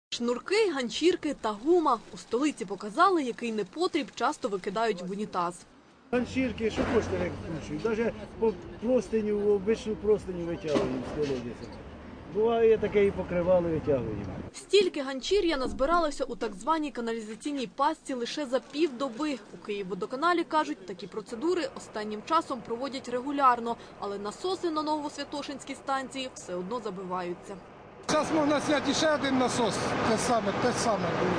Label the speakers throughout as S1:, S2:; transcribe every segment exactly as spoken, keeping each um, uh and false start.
S1: Шнурки, ганчірки та гума. У столиці показали, який непотріб часто викидають в унітаз.
S2: Ганчірки, що хочете, як кушають. Навіть по простиню, обичну простиню витягуємо з колодязя. Буває таке, і покривали витягуємо.
S1: Стільки ганчір'я назбиралося у так званій каналізаційній пастці лише за півдоби. У Київводоканалі кажуть, такі процедури останнім часом проводять регулярно, але насоси на Новосвятошинській станції все одно забиваються.
S3: Зараз можна зняти ще один насос, те саме, те саме було.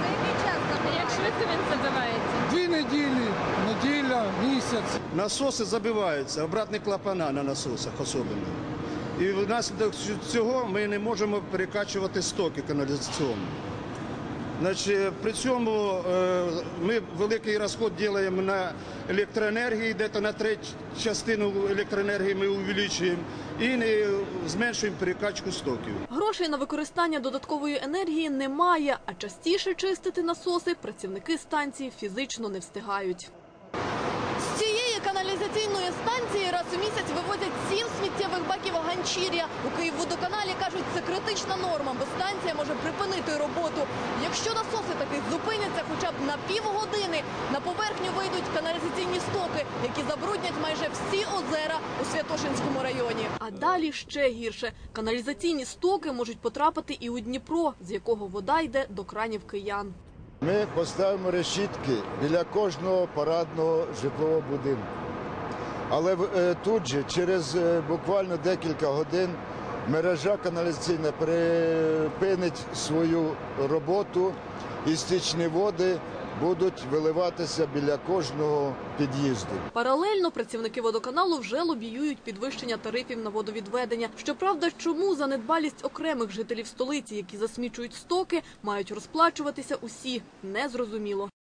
S4: Як швидко він забивається?
S3: Дві неділі, неділя, місяць.
S5: Насоси забиваються, обратні клапана на насосах особливо. І внаслідок цього ми не можемо перекачувати стоки каналізаційні. Значить, при цьому ми великий розход робимо на електроенергії, десь на треть частину електроенергії ми увеличуємо і не зменшуємо перекачку стоків.
S1: Грошей на використання додаткової енергії немає, а частіше чистити насоси працівники станції фізично не встигають. З цієї каналізаційної станції раз у місяць вивозять сім сміттєвих баків ганчір'я. У Київводоканалі кажуть, це критична норма, бо станція може припинити роботу. Якщо насоси таки зупиняться хоча б на півгодини, на поверхню вийдуть каналізаційні стоки, які забруднять майже всі озера у Святошинському районі. А далі ще гірше. Каналізаційні стоки можуть потрапити і у Дніпро, з якого вода йде до кранів киян.
S6: Ми поставимо решітки біля кожного парадного житлового будинку. Але тут же, через буквально декілька годин, мережа каналізаційна припинить свою роботу і стічні води будуть виливатися біля кожного під'їзду.
S1: Паралельно працівники водоканалу вже лобіюють підвищення тарифів на водовідведення. Щоправда, чому за недбалість окремих жителів столиці, які засмічують стоки, мають розплачуватися усі – незрозуміло.